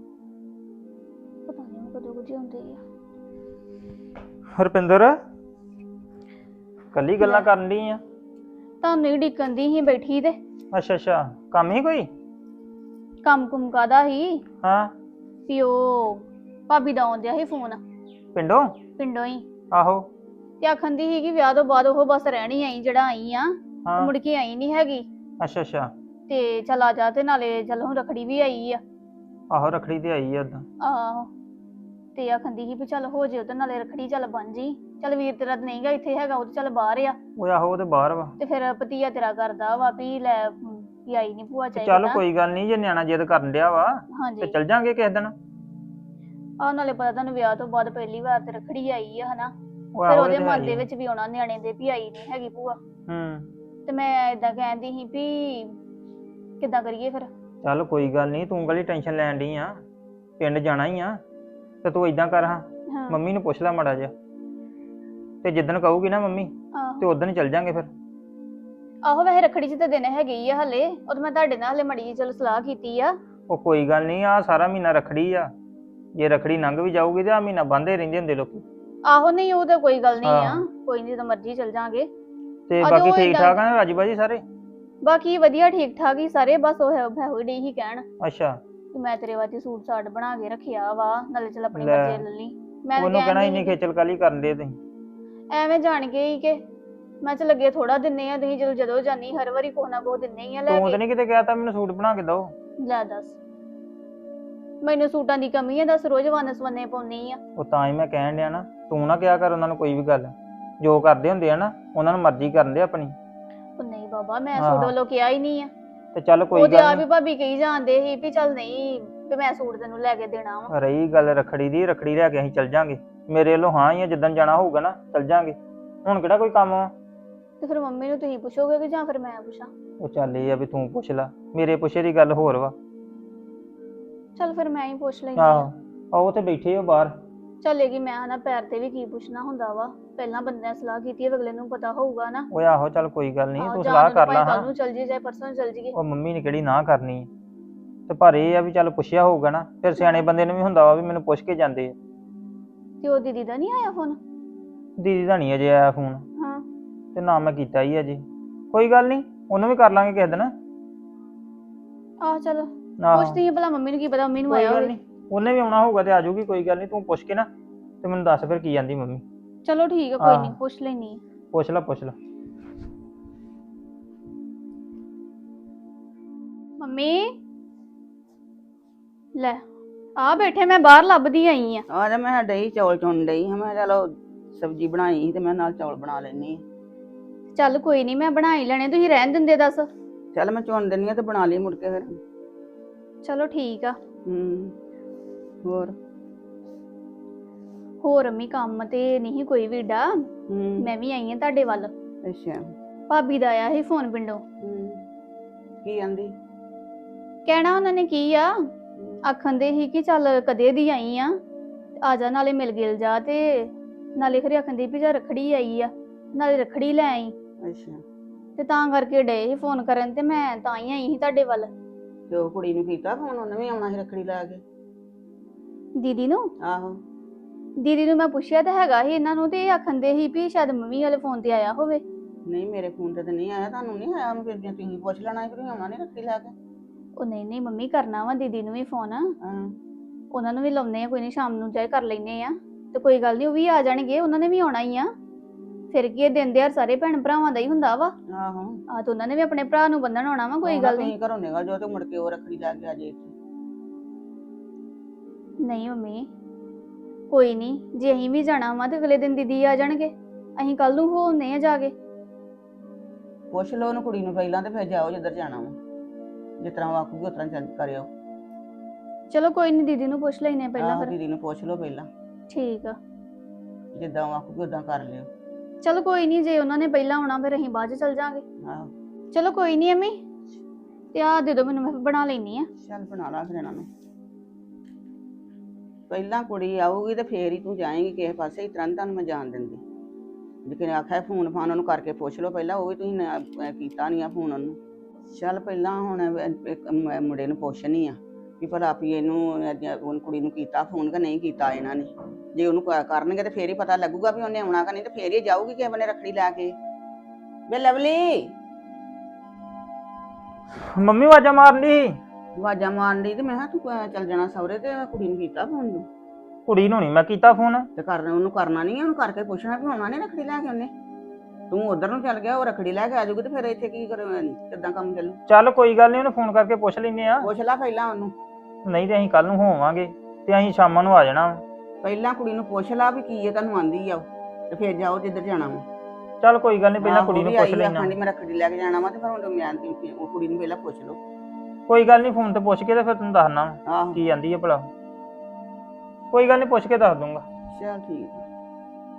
ਪਤਾ ਨਹੀਂ ਕਦੋਂ ਕੁਝ ਹੁੰਦੇ ਆ।
ਹਰਪਿੰਦਰ ਕੱਲੀ ਗੱਲਾਂ ਕਰਨ ਡਈ ਆ?
ਤੁਹਾਨੂੰ ਹੀ ਡਿੱਕਣ ਦੀ ਸੀ ਬੈਠੀ ਤੇ।
ਅੱਛਾ ਅੱਛਾ, ਕੰਮ ਹੀ ਕੋਈ?
ਕੰਮ ਕੁਮ ਕਾਦਾ ਹੀ?
ਹਾਂ।
ਵੀ ਉਹ ਭਾਬੀ ਦਾ ਆਉਂਦਿਆ ਸੀ ਫੋਨ
ਪਿੰਡੋਂ
ਹੀ।
ਆਹੋ।
ਤੇ ਆਖਣ ਦੀ ਸੀ ਕਿ ਵਿਆਹ ਤੋਂ ਬਾਅਦ ਉਹ ਬਸ ਰਹਿਣੀ ਆਈ, ਜਿਹੜਾ ਆਈ ਆ
ਹਾਂ।
ਮੁੜ ਕੇ ਆਈ ਨਹੀਂ ਹੈਗੀ।
ਅੱਛਾ ਅੱਛਾ।
ਤੇ ਚੱਲ ਆ ਜਾ, ਤੇ ਨਾਲੇ ਚੱਲ ਹੁਣ ਰੱਖੜੀ ਵੀ ਆਈ ਆ।
ਆਹੋ ਰੱਖੜੀ ਤੇ ਆਈ ਆ ਉਦਾਂ।
ਆਹੋ, ਤੇ ਆਖਣ ਦੀ ਸੀ ਵੀ ਚੱਲ ਹੋ ਜੇ ਉਹਦੇ ਨਾਲੇ ਰੱਖੜੀ, ਚੱਲ ਬਣ ਜੀ। ਚੱਲ ਵੀਰ ਤੇਰਾ ਨਹੀਂ ਗਾ ਇੱਥੇ ਹੈਗਾ, ਉਹ ਤੇ ਚੱਲ ਬਾਹਰ ਆ।
ਉਹ ਆਹੋ ਉਹ ਤੇ ਬਾਹਰ ਵਾ।
ਤੇ ਫਿਰ ਭਤੀਆ ਤੇਰਾ ਕਰਦਾ ਵਾ ਵੀ ਲੈ ਵੀ ਆਈ ਨਹੀਂ ਭੂਆ ਚਾਹੀਦਾ।
ਚੱਲ ਕੋਈ ਗੱਲ ਨਹੀਂ, ਜੇ ਨਿਆਣਾ ਜਿੱਦ ਕਰਨ ਡਿਆ ਵਾ ਤੇ
ਹਾਂਜੀ।
ਚੱਲ ਜਾਾਂਗੇ ਕਿਸੇ ਦਿਨ।
ਆਹ ਨਾਲੇ ਪਤਾ ਤੁਹਾਨੂੰ ਵਿਆਹ ਤੋਂ ਬਾਅਦ ਪਹਿਲੀ ਵਾਰ ਤੇ ਰੱਖੜੀ ਆਈ ਆ, ਹਨਾ।
ਉਹ
ਫਿਰ
ਆਹੋ
ਉਹਦੇ
ਇਹ ਤਾਂ ਹੈ
ਮਨ
ਹੀ
ਦੇ
ਆ।
ਵਿੱਚ ਵੀ ਆਉਣਾ ਨਿਆਣੇ ਦੇ ਵੀ ਆਈ ਨਹੀਂ ਹੈਗੀ ਭੂਆ,
ਹੂੰ
ਤੇ ਮੈਂ ਇਦਾਂ ਕਹਿੰਦੀ ਸੀ ਵੀ ਕਿੱਦਾਂ ਕਰੀਏ ਫਿਰ।
ਚੱਲ ਕੋਈ ਗੱਲ ਨਹੀਂ, ਤੂੰ ਗਲੀ ਟੈਨਸ਼ਨ ਲੈਣ ਡਈ ਆ, ਪਿੰਡ ਜਾਣਾ ਹੀ ਆ ਤੇ ਤੂੰ ਇਦਾਂ ਕਰ ਹਾਂ,
ਹਾਂ
ਮੰਮੀ ਨੂੰ ਪੁੱਛ ਲੈ ਮਾੜਾ ਜਿਹਾ, ਤੇ ਜਿੱਦਣ ਕਹੂਗੀ ਨਾ ਮੰਮੀ ਤੇ
ਆਹੋ
ਉਦੋਂ ਹੀ ਚੱਲ ਜਾਾਂਗੇ ਫਿਰ।
ਆਹੋ ਵੈਸੇ ਰੱਖੜੀ 'ਚ ਤਾਂ ਦਿਨ ਹੈਗੇ ਹੀ ਆ ਹਲੇ, ਉਹ ਤਾਂ ਮੈਂ ਤੁਹਾਡੇ ਨਾਲ ਹਲੇ ਮੜੀ ਜਿਹੀ ਚਲੋ ਸਲਾਹ ਕੀਤੀ ਆ।
ਉਹ ਕੋਈ ਗੱਲ ਨਹੀਂ, ਆ ਸਾਰਾ ਮਹੀਨਾ ਰੱਖੜੀ ਆ, ਜੇ ਰੱਖੜੀ ਲੰਘ ਵੀ ਜਾਊਗੀ ਤੇ ਆ ਮਹੀਨਾ ਬੰਦੇ ਰਹਿੰਦੇ ਹੁੰਦੇ ਲੋਕੀ।
ਆਹੋ ਨਹੀਂ ਉਹ ਤਾਂ ਕੋਈ ਗੱਲ ਨਹੀਂ ਆ,
ਹਾਂ।
ਕੋਈ ਨਹੀਂ ਜਦੋਂ ਮਰਜ਼ੀ ਚਲ ਜਾਾਂਗੇ।
ਤੇ
ਅੱਜ
ਬਾਕੀ
ਉਹ
ਠੀਕ
ਏਦਾਂ-
ਠਾਕ ਆ ਰਾਜੀ ਬਾਜੀ ਸਾਰੇ?
ਬਾਕੀ ਵਧੀਆ ਠੀਕ ਠਾਕ ਹੀ ਸਾਰੇ, ਬਸ ਉਹ ਹੋਈ ਡਈ ਹੀ ਕਹਿਣ
ਅੱਛਾ,
ਕਿ ਮੈਂ ਤੇਰੇ ਵਾਸਤੇ ਸੂਟ ਸਾਟ ਬਣਾ ਕੇ ਰੱਖਿਆ ਵਾ, ਨਾਲੇ ਚਲ ਆਪਣੀ
ਲੈ।
ਮਰਜ਼ੀ ਲੈ ਲਈ। ਮੈਂ ਤਾਂ
ਉਹਨੂੰ ਕਹਿਣਾ
ਕਹਿੰਦੀ
ਇੰਨੀ
ਸੀ
ਖੇਚਲ ਕਾਲੀ ਕਰਨ ਦੇ ਤੁਸੀਂ।
ਐਵੇਂ ਜਾਣ ਕੇ ਹੀ ਕਿ ਮੈਂ ਚ ਲੱਗੇ ਥੋੜਾ ਦਿੰਨੇ ਆ, ਤੁਸੀਂ ਜਦੋਂ ਜਾਨੀ ਹਰ ਵਾਰੀ ਕੋਹ ਨਾ ਕੋਹ ਦਿੰਨੇ ਹੀ ਆ ਲੈ
ਤੂੰ ਤਾਂ
ਕੇ।
ਨਹੀਂ ਕਿਤੇ ਕਹਿ ਤਾ ਮੈਨੂੰ ਸੂਟ ਬਣਾ ਕੇ ਦੋ?
ਲੈ ਦੱਸ, ਮੈਨੂੰ ਸੂਟਾਂ ਦੀ ਕਮੀ ਆ, ਦੱਸ ਰੋਜ਼ ਵੰਨ ਸਵੰਨੇ ਪਾਉਣੀ ਆ।
ਉਹ ਤਾਂ ਹੀ ਮੈਂ ਕਹਿਣ ਡਿਆ ਨਾ, ਤੂੰ ਨਾ ਕਿਹਾ ਕਰ ਉਹਨਾਂ ਨੂੰ ਕੋਈ ਵੀ ਗੱਲ, ਜੋ ਕਰਦੇ ਹੁੰਦੇ ਆ ਨਾ ਉਹਨਾਂ ਨੂੰ ਮਰਜ਼ੀ ਕਰਨ ਦੇ ਆਪਣੀ।
ਉਹ ਨਹੀਂ ਬਾਬਾ ਮੈਂ
ਹਾਂ।
ਸੂਟ ਵੱਲੋਂ ਕਿਹਾ ਹੀ ਨਹੀਂ ਆ,
ਤੇ ਚੱਲ ਕੋਈ
ਉਹ ਤੇ
ਗੱਲ
ਆ
ਨਹੀਂ।
ਵੀ ਭਾਬੀ ਕਹੀ ਜਾਂਦੇ ਸੀ ਵੀ ਚੱਲ ਨਹੀਂ ਵੀ ਮੈਂ ਸੂਟ ਤੈਨੂੰ ਲੈ ਕੇ ਦੇਣਾ ਵਾ।
ਰਹੀ ਗੱਲ ਰੱਖੜੀ ਦੀ, ਰੱਖੜੀ ਲੈ ਕੇ ਅਸੀਂ ਚੱਲ ਜਾਾਂਗੇ, ਮੇਰੇ ਵੱਲੋਂ ਹਾਂ ਹੀ ਆ, ਜਿੱਦਣ ਜਾਣਾ ਹੋਊਗਾ ਨਾ ਚੱਲ ਜਾਾਂਗੇ, ਹੁਣ ਕਿਹੜਾ ਕੋਈ ਕੰਮ ਆ।
ਤੇ ਫਿਰ ਮੰਮੀ ਨੂੰ ਤੁਸੀਂ ਪੁੱਛੋਗੇ ਕਿ ਜਾਂ ਫਿਰ ਮੈਂ ਪੁੱਛਾਂ?
ਉਹ ਚੱਲ ਇਹ ਆ ਵੀ ਤੂੰ ਪੁੱਛ ਲੈ, ਮੇਰੇ ਪੁੱਛੇ ਦੀ ਗੱਲ ਹੋਰ ਵਾ।
ਚੱਲ ਫਿਰ ਮੈਂ ਹੀ ਪੁੱਛ ਲੈਂਦੀ ਆ।
ਆਹੋ ਉਹ ਤੇ ਬੈਠੇ ਹੋ ਬਾਹਰ।
ਚੱਲੇਗੀ ਮੈਂ ਹਨਾ ਪੈਰ ਤੇ ਵੀ ਕੀ ਪੁੱਛਣਾ ਹੁੰਦਾ ਵਾ, ਪਹਿਲਾਂ ਬੰਦਿਆਂ ਸਲਾਹ ਕੀਤੀ ਹੈ, ਅਗਲੇ ਨੂੰ ਪਤਾ ਹੋਊਗਾ ਨਾ।
ਓਏ ਆਹੋ ਚੱਲ ਕੋਈ ਗੱਲ ਨਹੀਂ,
ਆਹੋ,
ਤੂੰ
ਜਾਂ
ਸਲਾਹ
ਉਹਨੂੰ
ਕਰ
ਭਾਵੇਂ
ਲੈ
ਕੱਲ੍ਹ
ਹਾਂ।
ਨੂੰ ਚੱਲ ਜੀ ਚਾਹੇ ਪਰਸੋਂ ਨੂੰ ਚੱਲ ਜੀਏ।
ਉਹ ਮੰਮੀ ਨੇ ਕਿਹੜੀ ਨਾ ਕਰਨੀ ਆ, ਤੇ ਪਰ ਇਹ ਆ ਵੀ ਚੱਲ ਪੁੱਛਿਆ ਹੋਊਗਾ ਨਾ, ਫਿਰ ਸਿਆਣੇ ਬੰਦੇ ਨੂੰ ਵੀ ਹੁੰਦਾ ਵਾ ਵੀ ਮੈਨੂੰ ਪੁੱਛ ਕੇ ਜਾਂਦੇ ਆ।
ਤੇ ਉਹ ਦੀਦੀ ਦਾ ਨਹੀਂ ਆਇਆ ਫੋਨ?
ਦੀਦੀ ਦਾ ਨਹੀਂ ਅਜੇ ਆਇਆ ਫੋਨ,
ਹਾਂ
ਤੇ ਨਾ ਮੈਂ ਕੀਤਾ ਹੀ ਅਜੇ। ਕੋਈ ਗੱਲ ਨਹੀਂ, ਉਹਨੂੰ ਵੀ ਕਰ ਲਾਂਗੇ ਕਿਸੇ ਦਿਨ।
ਆਹ ਚਲ
ਆਹੋ
ਪੁੱਛਦੀ ਆ ਭਲਾ ਮੰਮੀ ਨੂੰ, ਕੀ ਪਤਾ ਮੰਮੀ ਨੂੰ
ਕੋਈ
ਆਇਆ
ਗੱਲ
ਹੋਵੇ।
ਨਹੀਂ, ਉਹਨੇ ਵੀ ਆਉਣਾ ਹੋਊਗਾ ਤੇ ਆ ਜਾਊਗੀ, ਕੋਈ ਗੱਲ ਨਹੀਂ, ਤੂੰ ਪੁੱਛ ਕੇ ਨਾ ਤੇ ਮੈਨੂੰ ਦੱਸ ਫਿਰ ਕੀ ਜਾਂਦੀ ਮੰਮੀ।
ਚਲੋ ਠੀਕ ਆ, ਕੋਈ ਨਹੀਂ ਪੁੱਛ ਲੈਣੀ ਆ।
ਪੁੱਛ ਲੈ ਪੁੱਛ ਲੈ।
ਮੰਮੀ ਲੈ ਆ ਬੈਠੇ, ਮੈਂ ਬਾਹਰ ਲੱਭਦੀ ਆਈ ਆ।
ਆ ਜਾ, ਮੈਂ ਡਈ ਚੌਲ ਚੁਣ ਡਈ ਹਾਂ, ਮੈਂ ਚਲੋ ਸਬਜ਼ੀ ਬਣਾਈ ਸੀ ਤੇ ਮੈਂ ਨਾਲ ਚੌਲ ਬਣਾ ਲੈਣੀ ਆ।
ਚੱਲ ਕੋਈ ਨਹੀਂ ਮੈਂ ਬਣਾ ਹੀ ਲੈਣੇ, ਤੁਸੀਂ ਰਹਿਣ ਦਿੰਦੇ ਦੱਸ।
ਚੱਲ ਮੈਂ ਚੁਣ ਦਿੰਨੀ ਆ ਤੇ ਬਣਾ ਲਈ ਮੁੜ ਕੇ ਫਿਰ।
ਚਲੋ ਠੀਕ ਆ।
ਹੋਰ
ਹੋਰ ਅੰਮੀ ਕੰਮ ਤੇ ਨਹੀਂ ਕੋਈ ਵੀ ਡਾ, ਮੈਂ ਵੀ ਆਈ ਆ ਤੁਹਾਡੇ ਵੱਲ।
ਅੱਛਾ।
ਭਾਬੀ ਦਾ ਆਇਆ ਸੀ ਫੋਨ ਪਿੰਡੋਂ।
ਕੀ ਆਂਦੀ?
ਕਹਿਣਾ ਉਹਨਾਂ ਨੇ ਕੀ ਆ, ਆਖਣ ਦੇ ਸੀ ਕਿ ਚੱਲ ਕਦੇ ਦੀ ਆਈ ਆ, ਆ ਜਾ ਨਾਲੇ ਮਿਲ ਗਿਲ ਜਾ, ਤੇ ਨਾਲੇ ਖਰੇ ਆਖਣ ਦੀ ਵੀ ਜਾ ਰੱਖੜੀ ਆਈ ਆ, ਨਾਲੇ ਰੱਖੜੀ ਲੈ ਆਈ।
ਅੱਛਾ।
ਤੇ ਤਾਂ ਕਰਕੇ ਡੇ ਸੀ ਫੋਨ ਕਰਨ, ਤੇ ਮੈਂ ਤਾਂ ਹੀ ਆਈ ਸੀ ਤੁਹਾਡੇ ਵੱਲ।
ਤੇ ਉਹ ਕੁੜੀ ਨੂੰ ਕੀਤਾ ਫੋਨ? ਉਹਨੇ ਵੀ ਆਉਣਾ ਸੀ ਰੱਖੜੀ ਲੈ ਕੇ।
ਦੀਦੀ ਨੂੰ?
ਆਹੋ।
ਦੀਦੀ ਨੂੰ ਮੈਂ ਪੁੱਛਿਆ ਤਾਂ ਹੈਗਾ ਸੀ ਇਹਨਾਂ ਨੂੰ, ਤੇ ਇਹ ਆਖਣ ਦੇ ਸੀ ਵੀ ਸ਼ਾਇਦ ਮੰਮੀ ਵਾਲੇ ਫੋਨ ਤੇ ਆਇਆ ਹੋਵੇ।
ਨਹੀਂ ਮੇਰੇ ਫੋਨ ਤੇ ਤਾਂ ਨਹੀਂ ਆਇਆ, ਤੁਹਾਨੂੰ ਨਹੀਂ ਆਇਆ? ਉਹਨੂੰ ਫਿਰ ਜੇ ਤੁਸੀਂ ਪੁੱਛ ਲੈਣਾ ਸੀ ਕਿ ਆਉਣਾ ਨਹੀਂ ਰੱਖੜੀ ਲੈ ਕੇ।
ਉਹ ਨਹੀਂ ਮੰਮੀ ਕਰਨਾ ਵਾ ਦੀਦੀ ਨੂੰ ਵੀ ਫੋਨ,
ਹਾਂ।
ਉਹਨਾਂ ਨੂੰ ਵੀ ਲਾਉਨੇ ਆ, ਕੋਈ ਨਹੀਂ ਸ਼ਾਮ ਨੂੰ ਚਾਹੇ ਕਰ ਲੈਨੇ ਆ, ਤੇ ਕੋਈ ਗੱਲ ਨਹੀਂ ਉਹ ਵੀ ਆ ਜਾਣਗੇ, ਉਹਨਾਂ ਨੇ ਵੀ ਆਉਣਾ ਹੀ ਆ। ਫਿਰ ਕੀ ਇਹ ਦਿਨ ਦਿਹਾੜ ਸਾਰੇ ਭੈਣ ਭਰਾਵਾਂ ਦਾ ਹੀ ਹੁੰਦਾ ਵਾ।
ਆਹੋ।
ਆ ਤਾਂ ਉਹਨਾਂ ਨੇ ਵੀ ਆਪਣੇ ਭਰਾ ਨੂੰ ਬੰਨਣ ਆਉਣਾ ਵਾ, ਕੋਈ ਗੱਲ ਨਹੀਂ।
ਤੁਸੀਂ ਘਰੋਂ ਨਿਕਲ ਜਾਓ ਤੇ ਮੁੜ ਕੇ ਉਹ ਰੱਖੜੀ ਲੈ ਕੇ ਆ ਜੇ ਇੱਥੇ।
ਨਹੀਂ ਮੰਮੀ ਕੋਈ ਨਹੀਂ, ਜੇ ਅਸੀਂ ਵੀ ਜਾਣਾ ਵਾ ਤੇ ਅਗਲੇ ਦਿਨ ਦੀਦੀ ਆ ਜਾਣਗੇ, ਅਸੀਂ ਕੱਲ ਨੂੰ ਹੋਣੇ ਆ ਜਾ ਕੇ।
ਪੁੱਛ ਲਓ ਉਹਨੂੰ ਕੁੜੀ ਨੂੰ ਪਹਿਲਾਂ ਤੇ ਫਿਰ ਜਾਓ ਜਿੱਧਰ ਜਾਣਾ ਵਾ, ਜਿਸ ਤਰ੍ਹਾਂ ਉਹ ਆਖੂਗੀ ਉਸ ਤਰ੍ਹਾਂ ਚੱਲ ਕਰਿਓ।
ਚਲੋ ਕੋਈ ਨਹੀਂ ਦੀਦੀ ਨੂੰ ਪੁੱਛ ਲੈਨੇ ਪਹਿਲਾਂ
ਆਹੋ,
ਫਿਰ।
ਦੀਦੀ ਨੂੰ ਪੁੱਛ ਲਓ ਪਹਿਲਾਂ,
ਠੀਕ ਆ।
ਜਿੱਦਾਂ ਉਹ ਆਖੂਗੀ ਉਦਾਂ ਕਰ ਲਿਓ।
ਚਲੋ ਕੋਈ ਨਹੀਂ, ਜੇ ਉਹਨਾਂ ਨੇ ਪਹਿਲਾਂ ਆਉਣਾ ਫਿਰ ਅਸੀਂ ਬਾਅਦ ਚ ਚੱਲ ਜਾਾਂਗੇ।
ਆਹੋ।
ਚਲੋ ਕੋਈ ਨਹੀਂ ਅੰਮੀ, ਤੇ ਆ ਦੇ ਦਿਓ ਮੈਨੂੰ, ਮੈਂ ਬਣਾ ਲੈਣੀ ਆ।
ਚੱਲ ਬਣਾ ਲਾ ਫਿਰ ਇਹਨਾਂ ਨੂੰ। ਪਹਿਲਾਂ ਕੁੜੀ ਆਊਗੀ ਤੇ ਫੇਰ ਹੀ ਤੂੰ ਜਾਏਂਗੀ ਕਿਸੇ ਪਾਸੇ, ਇਸ ਤਰ੍ਹਾਂ ਨੀ ਤੁਹਾਨੂੰ ਮੈਂ ਜਾਣ ਦਿੰਦੀ। ਜੇ ਕਿਨੇ ਆਖਿਆ ਫੋਨ ਫਾਨ ਉਹਨੂੰ ਕਰਕੇ ਪੁੱਛ ਲਓ ਪਹਿਲਾਂ, ਉਹ ਵੀ ਤੁਸੀਂ ਕੀਤਾ ਨਹੀਂ ਆ ਫੋਨ ਉਹਨੂੰ। ਚੱਲ ਪਹਿਲਾਂ ਹੁਣ ਇੱਕ ਮੁੰਡੇ ਨੂੰ ਪੁੱਛਣੀ ਆ ਵੀ ਭਲਾ ਵੀ ਉਹਨੂੰ ਕੁੜੀ ਨੂੰ ਕੀਤਾ ਫੋਨ ਕਿ ਨਹੀਂ ਕੀਤਾ ਇਹਨਾਂ ਨੇ। ਜੇ ਉਹਨੂੰ ਕਰਨਗੇ ਤੇ ਫੇਰ ਹੀ ਪਤਾ ਲੱਗੂਗਾ ਵੀ ਉਹਨੇ ਆਉਣਾ ਕਿ ਨਹੀਂ, ਤੇ ਫੇਰ ਹੀ ਜਾਊਗੀ ਕਿਸੇ ਬੰਨੇ ਰੱਖੜੀ ਲੈ ਕੇ। ਵੇ ਲਵਲੀ,
ਮੰਮੀ ਆਵਾਜ਼ਾਂ ਮਾਰਨ ਦੀ।
ਆਵਾਜ਼ਾਂ ਮਾਰਨ ਦੀ, ਤੇ ਮੈਂ ਕਿਹਾ ਤੂੰ ਚੱਲ ਜਾਣਾ ਸਹੁਰੇ, ਤੇ ਕੁੜੀ ਨੂੰ ਕੀਤਾ ਫੋਨ ਤੂੰ?
ਕੁੜੀ ਨੂੰ ਨਹੀਂ ਮੈਂ ਕੀਤਾ ਫੋਨ।
ਤੇ ਉਹਨੂੰ ਕਰਨਾ ਨਹੀਂ, ਉਹਨੂੰ ਕਰਕੇ ਪੁੱਛਣਾ ਵੀ ਆਉਣਾ ਨਹੀਂ ਰੱਖੜੀ ਲੈ ਕੇ ਉਹਨੇ। ਤੂੰ ਉਧਰ ਨੂੰ ਚੱਲ ਗਿਆ, ਉਹ ਰੱਖੜੀ ਲੈ ਕੇ ਆ ਜਾਊਗੀ, ਤੇ ਫਿਰ ਇੱਥੇ ਕੀ ਕਿੱਦਾਂ ਕੰਮ ਚੱਲੂ?
ਚੱਲ ਕੋਈ ਗੱਲ ਨਹੀਂ, ਉਹਨੂੰ ਫੋਨ ਕਰਕੇ ਪੁੱਛ ਲੈਨੇ ਆ।
ਪੁੱਛ ਲੈ ਪਹਿਲਾਂ ਉਹਨੂੰ।
ਨਹੀਂ ਤੇ ਅਸੀਂ ਕੱਲ ਨੂੰ ਹੋਵਾਂਗੇ ਤੇ ਅਸੀਂ ਸ਼ਾਮਾਂ ਨੂੰ ਆ ਜਾਣਾ।
ਪਹਿਲਾਂ ਕੁੜੀ ਨੂੰ ਪੁੱਛ ਲਾ ਵੀ ਕੀ ਹੈ ਤੁਹਾਨੂੰ ਆਂਦੀ ਆ ਉਹ, ਤੇ ਫਿਰ ਜਾਓ ਜਿੱਧਰ ਜਾਣਾ ਵਾ।
ਚੱਲ ਕੋਈ ਗੱਲ ਨਹੀਂ, ਪਹਿਲਾਂ ਕੁੜੀ ਨੂੰ ਪੁੱਛ ਲੈਣਾ।
ਆਖਾਂਦੀ ਮੈਂ ਰੱਖੜੀ ਲੈ ਕੇ ਜਾਣਾ ਵਾ, ਤੇ ਫਿਰ ਹੁਣ ਮੈਂ ਉਹ ਕੁੜੀ ਨੂੰ ਪਹਿਲਾਂ ਪੁੱਛ ਲਓ।
ਕੋਈ ਗੱਲ ਨਹੀਂ, ਫੋਨ ਤੇ ਪੁੱਛ ਕੇ ਤੇ ਫਿਰ ਤੈਨੂੰ ਦੱਸਣਾ
ਆਹੋ।
ਕੀ ਆਂਦੀ ਹੈ ਭਲਾ। ਕੋਈ ਗੱਲ ਨਹੀਂ, ਪੁੱਛ ਕੇ ਦੱਸ ਦੂੰਗਾ।
ਚੱਲ ਠੀਕ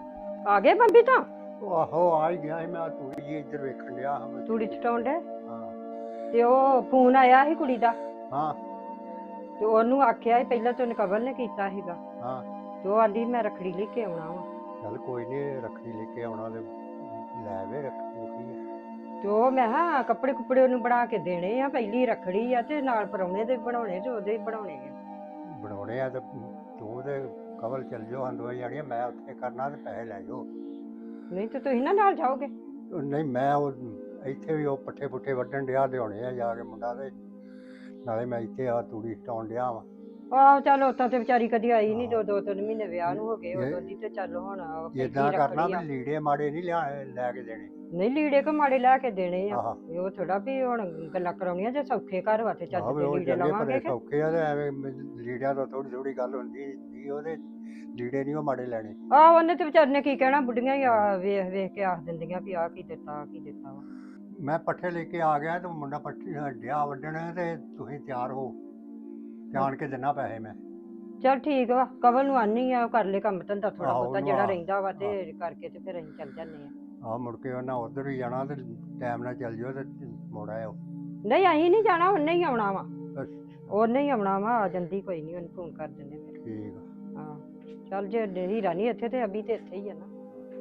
ਆ ਗਏ ਬੰਬੀ ਤਾਂ
ਉਹ ਆਹੋ ਆ ਹੀ ਗਿਆ ਸੀ, ਮੈਂ ਤੂੜੀ ਜੀ ਇੱਧਰ ਵੇਖਣ ਡਿਆ ਹਾਂ ਮੈਂ।
ਤੂੜੀ ਚਟਾਉਣ ਡੇ
ਹਾਂ
ਤੇ ਉਹ ਫੋਨ ਆਇਆ ਸੀ ਕੁੜੀ ਦਾ
ਹਾਂ
ਤੇ ਉਹਨੂੰ ਆਖਿਆ ਸੀ ਪਹਿਲਾਂ ਤੈਨੂੰ ਕਬਲ ਨੇ ਕੀਤਾ ਸੀਗਾ
ਹਾਂ
ਤੇ ਉਹ ਆਂਦੀ ਮੈਂ ਰੱਖੜੀ ਲੈ ਕੇ ਆਉਣਾ ਵਾ
ਚੱਲ ਕੋਈ ਨਹੀਂ, ਰੱਖੜੀ ਲੈ ਕੇ ਆਉਣਾ ਤੇ ਲੈ ਵੇ ਰੱਖੜੀ ਕੀ ਆ।
ਤੇ ਉਹ ਮੈਂ ਕਿਹਾ ਕੱਪੜੇ ਕੁੱਪੜੇ ਉਹਨੂੰ ਬਣਾ ਕੇ ਦੇਣੇ ਆ, ਪਹਿਲੀ ਰੱਖੜੀ ਆ ਤੇ ਨਾਲ ਪਰੌਣੇ ਦੇ ਬਣਾਉਣੇ ਤੇ ਉਹਦੇ ਹੀ ਬਣਾਉਣੇ ਆ।
ਬਣਾਉਣੇ ਆ ਤੇ ਤੂੰ ਤੇ ਕਵਲ ਚੱਲ ਜਾਓ ਹਾਂ ਦੋਵੇਂ ਜਾਣੀਆਂ, ਮੈਂ ਉੱਥੇ ਕਰਨਾ ਤੇ ਪੈਸੇ ਲੈ ਜਾਓ।
ਨਹੀਂ ਤੇ ਤੁਸੀਂ ਨਾ ਨਾਲ ਜਾਓਗੇ?
ਉਹ ਨਹੀਂ ਮੈਂ ਉਹ ਇੱਥੇ ਵੀ ਉਹ ਪੱਠੇ ਪੁੱਠੇ ਵੱਢਣ ਡਿਆ ਲਿਆਉਣੇ ਆ ਜਾ ਕੇ ਮੁੰਡਾ, ਤੇ ਨਾਲੇ ਮੈਂ ਇੱਥੇ ਆ ਤੂੜੀ ਸਟਾਉਣ ਡਿਆ ਵਾਂ।
ਆਹ ਚੱਲ ਉਤਾਂ ਤੇ ਵਿਚਾਰੀ ਕਦੀ ਆਈ ਨਹੀਂ, ਦੋ ਤਿੰਨ ਮਹੀਨੇ ਵਿਆਹ ਨੂੰ ਹੋ ਗਏ
ਇਹ-
ਉਦੋਂ ਦੀ, ਤੇ ਚੱਲ ਹੁਣ ਪਹਿਲੀ
ਏਦਾਂ ਕਰਨਾ
ਰੱਖੜੀ ਆ।
ਵੀ ਲੀੜੇ ਮਾੜੇ ਨਹੀਂ ਲੈ ਕੇ ਦੇਣੇ।
ਨਹੀਂ ਲੀੜੇ ਕੋ ਮਾੜੇ ਲੈ ਕੇ ਦੇਣੇ ਆ,
ਆਹ
ਇਹ ਉਹ ਥੋੜਾ ਵੀ ਹੁਣ ਗੱਲਾਂ ਕਰਾਉਣੀਆਂ ਜੇ ਸੌਖੇ ਘਰ ਵਾ ਤੇ ਚੱਜ
ਆਹ ਵੀ
ਦੇ
ਉਹ
ਲੀੜੇ
ਚੰਗੇ
ਲਵਾਂਗੇ
ਭਲੇ
ਕਿ
ਸੌਖੇ ਆ ਤੇ ਐਵੇਂ ਲੀੜਿਆਂ ਤੋਂ ਥੋੜੀ ਥੋੜੀ ਗੱਲ ਹੁੰਦੀ ਨਹੀਂ, ਉਹਦੇ ਲੀੜੇ ਨਹੀਂ ਉਹ ਮਾੜੇ ਲੈਣੇ।
ਆਹ ਉਹਨੇ ਤੇ ਵਿਚਾਰੇ ਨੇ ਕੀ ਕਹਿਣਾ, ਬੁੱਢੀਆਂ ਹੀ ਆ ਵੇਖ ਵੇਖ ਕੇ ਆਖ ਦਿੰਦੀਆਂ ਵੀ ਆਹ ਕੀ ਦਿੱਤਾ ਆਹ ਕੀ ਦਿੱਤਾ ਵਾ।
ਮੈਂ ਪੱਠੇ ਲੈ ਕੇ ਆ ਗਿਆ ਤੇ ਮੁੰਡਾ ਪੱਠੇ ਡਿਆ ਵੱਢਣ ਤੇ ਤੁਸੀਂ ਤਿਆਰ ਹੋ, ਜਾਣ ਕੇ ਦਿਨਾ ਪੈਸੇ ਮੈਂ।
ਚੱਲ ਠੀਕ ਵਾ, ਕਵਲ ਨੂੰ ਆਨੀ ਆ, ਉਹ ਕਰ ਲੈ ਕੰਮ ਧੰਦਾ ਥੋੜਾ
ਆਹੋ,
ਬਹੁਤਾ
ਉਹਨੂੰ
ਜਿਹੜਾ
ਆਹ,
ਰਹਿੰਦਾ ਵਾ ਤੇ ਕਰਕੇ ਤੇ ਫਿਰ ਅਸੀਂ ਚੱਲ ਜਾਂਦੇ ਆ।
ਆਹ ਮੁੜ ਕੇ ਉਹਨਾਂ ਉਧਰ ਹੀ ਜਾਣਾ ਤੇ ਟਾਈਮ ਨਾਲ ਚੱਲ ਜਿਓ ਤੇ ਮੁੜ ਆਇਓ।
ਨਹੀਂ ਅਸੀਂ ਨਹੀਂ ਜਾਣਾ, ਉਹਨੇ ਹੀ ਆਉਣਾ ਵਾ,
ਅੱਛਾ,
ਉਹਨੇ ਹੀ ਆਉਣਾ ਵਾ, ਆ ਜਾਂਦੀ ਕੋਈ ਨਹੀਂ, ਉਹਨੂੰ ਫੋਨ ਕਰ ਦਿੰਦੇ ਫਿਰ।
ਠੀਕ ਆ।
ਹਾਂ ਚੱਲ ਜੇ ਹੀਰਾ ਨਹੀਂ ਇੱਥੇ ਤੇ ਅਭੀ ਤੇ ਇੱਥੇ ਹੀ ਆ ਨਾ।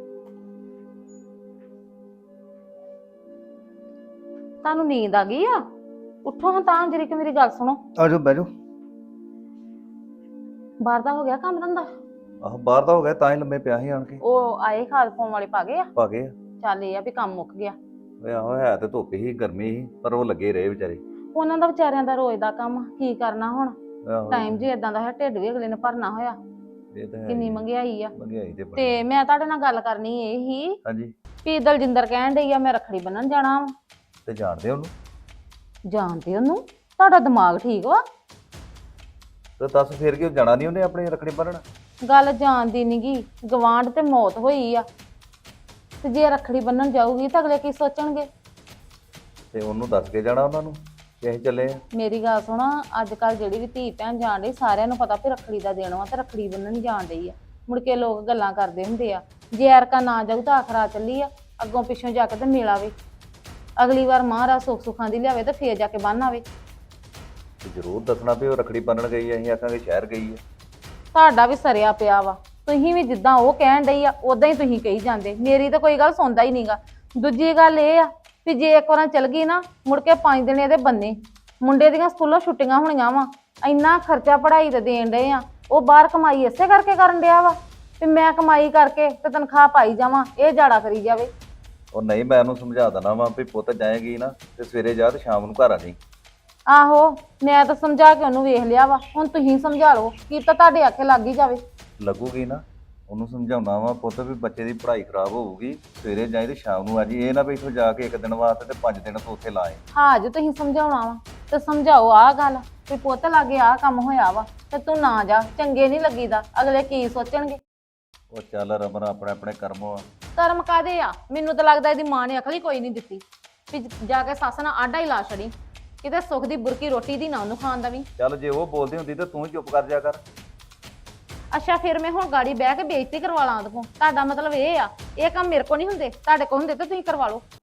ਤੁਹਾਨੂੰ ਨੀਂਦ ਆ ਗਈ ਆ? ਉੱਠੋ ਹਾਂ ਤਾਂ ਜਰੀ ਕਿ ਮੇਰੀ ਗੱਲ ਸੁਣੋ।
ਆਜੋ ਬਹਿ ਜਾਓ।
ਬਾਹਰ ਦਾ ਹੋ ਗਿਆ ਕੰਮ ਧੰਦਾ?
ਆਹ ਬਾਹਰ ਦਾ ਹੋ ਗਿਆ, ਤਾਂ ਹੀ ਲੰਮੇ ਪਿਆ ਸੀ ਆਣ ਕੇ।
ਉਹ ਆਏ ਖਾਦ ਪਾਉਣ ਵਾਲੇ ਪਾ ਗਏ ਆ?
ਪਾ ਗਏ ਆ।
ਚੱਲ ਇਹ ਆ ਵੀ ਕੰਮ ਮੁੱਕ ਗਿਆ।
ਓਏ ਆਹੋ ਹੈ ਤੇ ਧੁੱਪ ਹੀ ਗਰਮੀ ਸੀ, ਪਰ ਉਹ ਲੱਗੇ ਰਹੇ ਵਿਚਾਰੇ।
ਉਹਨਾਂ ਦਾ ਵਿਚਾਰਿਆਂ ਦਾ ਰੋਜ਼ ਦਾ ਕੰਮ, ਕੀ ਕਰਨਾ ਹੁਣ।
ਆਹੋ
ਟਾਈਮ ਜੇ ਇਦਾਂ ਦਾ ਹੈ, ਢਿੱਡ ਵੀ ਅਗਲੇ ਨੇ ਭਰਨਾ ਹੋਇਆ।
ਇਹ ਤਾਂ ਹੈ
ਕਿੰਨੀ
ਹੀ।
ਮਹਿੰਗਾਈ ਆ।
ਮਹਿੰਗਾਈ ਤੇ ਬੜੀ।
ਤੇ ਮੈਂ ਤੁਹਾਡੇ ਨਾਲ ਗੱਲ ਕਰਨੀ ਇਹ ਹੀ
ਹਾਂਜੀ,
ਵੀ ਦਲਜਿੰਦਰ ਕਹਿਣ ਡਈ ਆ ਮੈਂ ਰੱਖੜੀ ਬੰਨਣ ਜਾਣਾ ਵਾ।
ਤੇ ਜਾਣਦੇ ਉਹਨੂੰ?
ਜਾਣਦੇ ਉਹਨੂੰ? ਤੁਹਾਡਾ ਦਿਮਾਗ ਠੀਕ ਵਾ?
ਤੇ ਦੱਸ ਫੇਰ ਕਿਉਂ ਜਾਣਾ ਨਹੀਂ ਉਹਨੇ ਆਪਣੀ ਰੱਖੜੀ ਬੰਨਣ?
ਗੱਲ ਜਾਣਦੀ ਨੀਗੀ, ਗਵਾਂਢ ਤੇ ਮੌਤ ਹੋਈ ਆ, ਤੇ ਜੇ ਰੱਖੜੀ ਬੰਨਣ ਜਾਊਗੀ ਤਾਂ ਅਗਲੇ ਕੀ ਸੋਚਣਗੇ?
ਤੇ ਉਹਨੂੰ ਦੱਸ ਕੇ ਜਾਣਾ ਉਹਨਾਂ ਨੂੰ ਕਿ ਅਸੀਂ ਚੱਲੇ ਆ।
ਮੇਰੀ ਗੱਲ ਸੁਣ, ਅੱਜ ਕੱਲ ਜਿਹੜੀ ਵੀ ਧੀ ਭੈਣ ਜਾਣ ਡਈ, ਸਾਰਿਆਂ ਨੂੰ ਪਤਾ ਵੀ ਰੱਖੜੀ ਦਾ ਦੇਣ ਵਾ ਤੇ ਰੱਖੜੀ ਬੰਨਣ ਜਾਣ ਡਈ ਆ। ਮੁੜ ਕੇ ਲੋਕ ਗੱਲਾਂ ਕਰਦੇ ਹੁੰਦੇ ਆ, ਜੇ ਐਰਕਾ ਨਾ ਜਾਊ ਤਾਂ ਆਖਰਾ ਚੱਲੀ ਆ, ਅੱਗੋਂ ਪਿੱਛੋਂ ਜਾ ਕੇ ਤੇ ਮਿਲ ਆਵੇ। ਅਗਲੀ ਵਾਰ ਮਹਾਰਾਜ ਸੁੱਖ ਸੁੱਖਾਂ ਦੀ ਲਿਆਵੇ ਤੇ ਫੇਰ ਜਾ ਕੇ ਬੰਨ ਆਵੇ।
ਤੇ ਜ਼ਰੂਰ ਦੱਸਣਾ ਵੀ ਉਹ ਰੱਖੜੀ ਬੰਨਣ ਗਈ ਆ, ਅਸੀਂ ਆਖਾਂਗੇ ਸ਼ਹਿਰ ਗਈ ਆ।
ਤੁਹਾਡਾ ਵੀ ਸਰਿਆ ਪਿਆ ਵਾ, ਤੁਸੀਂ ਵੀ ਜਿੱਦਾਂ ਉਹ ਕਹਿਣ ਡਈ ਆ ਉਦਾਂ ਹੀ ਤੁਸੀਂ ਕਹੀ ਜਾਂਦੇ, ਮੇਰੀ ਤਾਂ ਕੋਈ ਗੱਲ ਸੁਣਦਾ ਹੀ ਨਹੀਂਗਾ। ਦੂਜੀ ਗੱਲ ਇਹ ਆ ਵੀ ਜੇ ਇੱਕ ਵਾਰ ਚਲ ਗਈ ਨਾ, ਮੁੜ ਕੇ 5 ਦਿਨ ਇਹਦੇ ਬੰਨੇ। ਮੁੰਡੇ ਦੀਆਂ ਸਕੂਲੋਂ ਛੁੱਟੀਆਂ ਹੋਣੀਆਂ ਵਾ, ਇੰਨਾ ਖਰਚਾ ਪੜ੍ਹਾਈ ਤੇ ਦੇਣ ਡਏ ਆ, ਉਹ ਬਾਹਰ ਕਮਾਈ ਇਸੇ ਕਰਕੇ ਕਰਨ ਡਿਆ ਵਾ ਵੀ ਮੈਂ ਕਮਾਈ ਕਰਕੇ ਤੇ ਤਨਖਾਹ ਪਾਈ ਜਾਵਾਂ, ਇਹ ਜਾੜਾ ਕਰੀ ਜਾਵੇ।
ਉਹ ਨਹੀਂ, ਮੈਂ ਉਹਨੂੰ ਸਮਝਾ ਦੇਣਾ ਵਾ ਵੀ ਪੁੱਤ ਜਾਏਗੀ ਨਾ ਤੇ ਸਵੇਰੇ ਜਾ ਤੇ ਸ਼ਾਮ ਨੂੰ ਘਰ ਆ ਜਾਈਂ।
ਆਹੋ ਮੈਂ ਤਾਂ ਸਮਝਾ ਕੇ ਉਹਨੂੰ ਵੇਖ ਲਿਆ ਵਾ, ਹੁਣ ਤੁਸੀਂ ਸਮਝਾ ਲਓ, ਕੀ ਤਾਂ ਤੁਹਾਡੇ ਆਖੇ ਲੱਗ ਹੀ ਜਾਵੇ।
ਲੱਗੂਗੀ ਨਾ, ਉਹਨੂੰ ਸਮਝਾਉਣਾ ਵਾ ਪੁੱਤ ਵੀ ਬੱਚੇ ਦੀ ਪੜ੍ਹਾਈ ਖਰਾਬ ਹੋਊਗੀ, ਸਵੇਰੇ ਜਾਈ ਤੇ ਸ਼ਾਮ ਨੂੰ ਆ ਜੀ। ਇਹ ਨਾ ਵੀ ਇੱਥੋਂ ਜਾ ਕੇ ਇੱਕ ਦਿਨ ਵਾਸਤੇ ਤੇ 5 ਦਿਨ ਤੋਂ ਉੱਥੇ ਲਾਏ।
ਹਾਂ ਜੇ ਤੁਸੀਂ ਸਮਝਾਉਣਾ ਵਾ ਤੇ ਸਮਝਾਓ ਆਹ ਗੱਲ ਵੀ ਪੁੱਤ ਲਾਗੇ ਆਹ ਕੰਮ ਹੋਇਆ ਵਾ ਤੇ ਤੂੰ ਨਾ ਜਾ, ਚੰਗੇ ਨਹੀਂ ਲੱਗੀਦਾ, ਅਗਲੇ ਕੀ ਸੋਚਣਗੇ।
ਉਹ ਚੱਲ ਰਮਨ, ਆਪਣੇ ਆਪਣੇ ਕਰਮ ਆ।
ਕਰਮ ਕਾਦੇ ਆ? ਮੈਨੂੰ ਤਾਂ ਲੱਗਦਾ ਇਹਦੀ ਮਾਂ ਨੇ ਅਕਲ ਹੀ ਕੋਈ ਨਹੀਂ ਦਿੱਤੀ ਵੀ ਜਾ ਕੇ ਸੱਸ ਨਾਲ ਆਡਾ ਹੀ ਲਾ ਛੜੀ, ਕਿਤੇ ਸੁੱਖ ਦੀ ਬੁਰਕੀ ਰੋਟੀ ਦੀ ਨਾ ਉਹਨੂੰ ਖਾਣ ਦਵੀਂ।
ਚੱਲ ਜੇ ਉਹ ਬੋਲਦੀ ਹੁੰਦੀ ਤੇ ਤੂੰ ਹੀ ਚੁੱਪ ਕਰ ਜਾ ਕਰ।
ਅੱਛਾ ਫਿਰ ਮੈਂ ਹੁਣ ਗਾੜੀ ਬਹਿ ਕੇ ਬੇਇੱਜ਼ਤੀ ਕਰਵਾ ਲਾਂ ਉਹਦੇ ਕੋਲ? ਤੁਹਾਡਾ ਮਤਲਬ ਇਹ ਆ ਇਹ ਕੰਮ ਮੇਰੇ ਕੋਲ ਨਹੀਂ ਹੁੰਦੇ, ਤੁਹਾਡੇ ਕੋਲ ਹੁੰਦੇ ਤਾਂ ਤੁਸੀਂ ਕਰਵਾ ਲਓ।